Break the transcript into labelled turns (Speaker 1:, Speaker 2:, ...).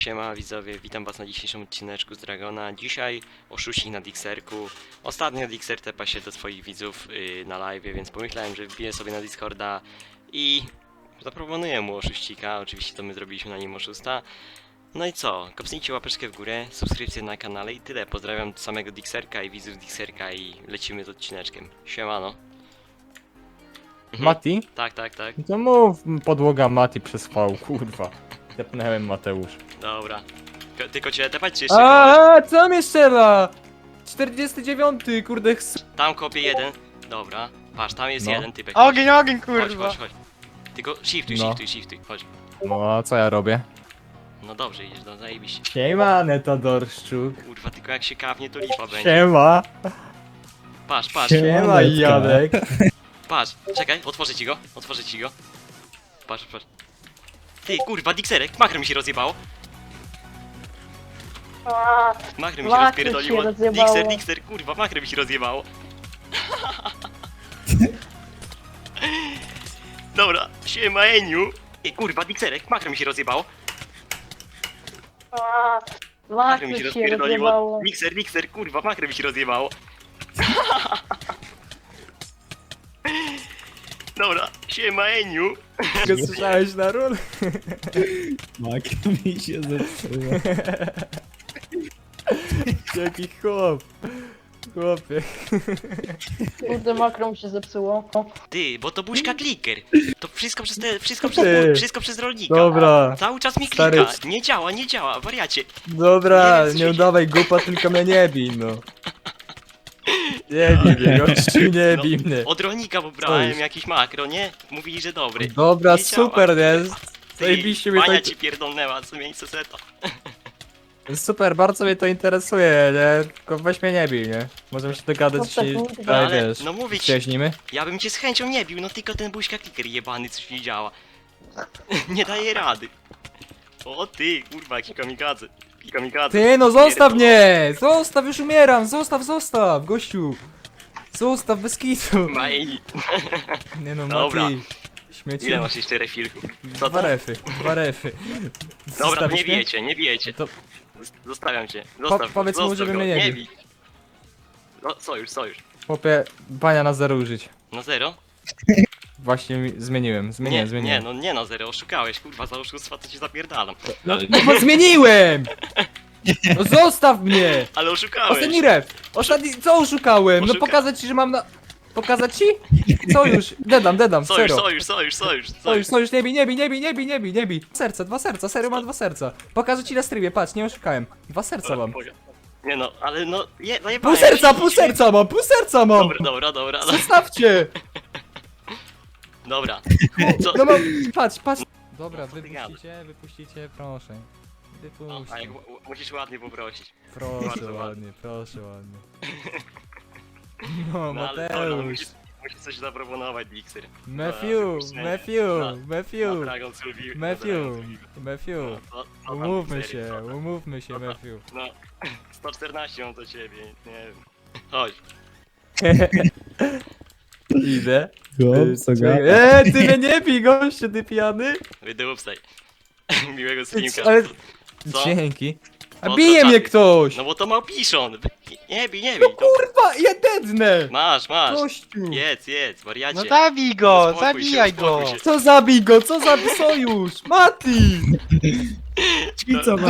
Speaker 1: Siema widzowie, witam was na dzisiejszym odcineczku z Dragona. Dzisiaj oszuści na Dixerku. Ostatnio Dixer tepa się do swoich widzów na live, więc pomyślałem, że wbiję sobie na Discorda i zaproponuję mu oszuścika. Oczywiście to my zrobiliśmy na nim oszusta. No i co? Kopnijcie łapeczkę w górę, subskrypcję na kanale i tyle. Pozdrawiam samego Dixerka i widzów Dixerka i lecimy z odcineczkiem. Siemano.
Speaker 2: Mati?
Speaker 1: Tak.
Speaker 2: To mów podłoga Mati przez V, kurwa. Tepnąłem Mateusz.
Speaker 1: Dobra. Tylko cię tepać czy jeszcze kogoś?
Speaker 2: A co mnie strzela? 49, kurde,
Speaker 1: Tam kopie jeden. Dobra. Patrz, tam jest
Speaker 2: No.
Speaker 1: jeden typek.
Speaker 3: Ogień,
Speaker 1: Chodź,
Speaker 3: kurwa!
Speaker 1: chodź. Tylko shiftuj,
Speaker 2: No.
Speaker 1: shiftuj, chodź.
Speaker 2: No a co ja robię?
Speaker 1: No dobrze idziesz, no zajebiście.
Speaker 2: Siema, Netodorszczuk.
Speaker 1: Kurwa, tylko jak się kapnie, to lipa będzie.
Speaker 2: Siema.
Speaker 1: Patrz,
Speaker 2: Siema, Janek.
Speaker 1: patrz. Czekaj, otworzę ci go. Patrz. Ty, kurwa, Dixerek, makro mi się rozjebało. Makro mi się
Speaker 4: Makro
Speaker 1: rozpierdoliło.
Speaker 4: się rozjebało.
Speaker 1: Dixer, kurwa, makro mi się rozjebało. Dobra, siema Eniu. Ej, kurwa, Dixerek, makro mi się rozjebało. Makro mi się rozpierdoliło. Dixer, kurwa, makro mi się rozjebało. Dobra, siema Eniu.
Speaker 2: Go słyszałeś na ról?
Speaker 5: Makro mi się zepsuło.
Speaker 2: Jaki chłop. Chłopie.
Speaker 4: Kurde, makro mi się zepsuło. O.
Speaker 1: Ty, bo to buźka kliker. To wszystko przez
Speaker 2: Ty.
Speaker 1: wszystko przez rolnika.
Speaker 2: Dobra.
Speaker 1: Cały czas mi
Speaker 2: Stary.
Speaker 1: klika. Nie działa, wariacie.
Speaker 2: Dobra,
Speaker 1: Nie wiem, co
Speaker 2: nie
Speaker 1: się-
Speaker 2: udawaj głupa, tylko mnie nie bij, no. Nie bij mnie, gościu, nie bij mnie.
Speaker 1: Od rolnika pobrałem
Speaker 2: jest?
Speaker 1: jakiś makro, nie? Mówili, że dobry.
Speaker 2: Dobra,
Speaker 1: Nie działa.
Speaker 2: super jest.
Speaker 1: Ty,
Speaker 2: Zajebiście mnie to...
Speaker 1: Bania ci pierdolnęła, co miejsce seta.
Speaker 2: Super, bardzo mnie to interesuje, nie? Tylko weź mnie nie bij, nie? Możemy się dogadać,
Speaker 4: No tak,
Speaker 2: jeśli...
Speaker 4: mówię.
Speaker 2: tak,
Speaker 1: Ale,
Speaker 2: wiesz,
Speaker 1: no mówię ci,
Speaker 2: przyjaźnimy?
Speaker 1: ja bym cię z chęcią nie bił, no tylko ten buźka kliker jebany coś nie działa. Nie daje rady. O ty, kurwa, jaki kamikadze.
Speaker 2: Ty, no zostaw
Speaker 1: Pierdolę.
Speaker 2: mnie! Zostaw, już umieram! Zostaw, gościu! Zostaw, bez kitu!
Speaker 1: Maj,
Speaker 2: Nie no,
Speaker 1: Dobra.
Speaker 2: Mati. Śmieci.
Speaker 1: ile masz jeszcze refilków? Co
Speaker 2: Dwa
Speaker 1: to?
Speaker 2: refy.
Speaker 1: Dobra,
Speaker 2: Zostawisz
Speaker 1: nie
Speaker 2: mnie?
Speaker 1: bijecie.
Speaker 2: To
Speaker 1: Zostawiam cię.
Speaker 2: powiedz mu, żeby
Speaker 1: go,
Speaker 2: mnie nie bił.
Speaker 1: bij. No, sojusz.
Speaker 2: chłopie, bania na zero użyć.
Speaker 1: No zero?
Speaker 2: Właśnie zmieniłem.
Speaker 1: Nie no zero, oszukałeś, kurwa, za oszustwa to ci zapierdalam.
Speaker 2: No bo zmieniłem! No zostaw mnie!
Speaker 1: Ale oszukałeś!
Speaker 2: Ostatni ref! Co oszukałem? No
Speaker 1: Oszuka-
Speaker 2: pokazać ci, że mam na... Pokazać ci? Co już? Dedam, sojusz, nie bij. Serca, 2 serca, serio mam 2 serca. Pokażę ci na streamie, patrz, nie oszukałem. 2 serca mam.
Speaker 1: Nie no, ale no, zajebałem.
Speaker 2: Pół serca mam!
Speaker 1: Dobra.
Speaker 2: Zostawcie!
Speaker 1: Dobra. Co?
Speaker 2: No mam, patrz. Dobra,
Speaker 1: Co ty gadasz?
Speaker 2: wypuścicie, proszę.
Speaker 1: No, a jak musisz ładnie poprosić.
Speaker 2: Proszę
Speaker 1: Bardzo
Speaker 2: ładnie. No,
Speaker 1: No ale dobra,
Speaker 2: Mateusz.
Speaker 1: musisz coś zaproponować, Dixer.
Speaker 2: Matthew.
Speaker 1: Dragon Sylvie.
Speaker 2: Matthew.
Speaker 1: Co tam,
Speaker 2: Umówmy
Speaker 1: Dixery, co
Speaker 2: się,
Speaker 1: tam?
Speaker 2: Matthew.
Speaker 1: No, 114 mam do ciebie, nie wiem. Chodź.
Speaker 2: Idę.
Speaker 5: Chłop, co gada?
Speaker 2: Ty mnie nie bij, gościu, ty pijany.
Speaker 1: Wydupstaj. Miłego streamka.
Speaker 2: Ale...
Speaker 1: Co?
Speaker 2: Dzięki. A
Speaker 1: No,
Speaker 2: bije
Speaker 1: to
Speaker 2: mnie
Speaker 1: tak.
Speaker 2: ktoś!
Speaker 1: No bo to Małpiszon. Nie bij.
Speaker 2: No
Speaker 1: To...
Speaker 2: kurwa, ja dednę!
Speaker 1: Masz.
Speaker 2: Gościu!
Speaker 1: Jedz, wariacie.
Speaker 3: No zabij go,
Speaker 1: Uspokój się,
Speaker 3: zabijaj go!
Speaker 1: uspokój się.
Speaker 2: Co zabij go, co za sojusz? Mati!
Speaker 5: I co,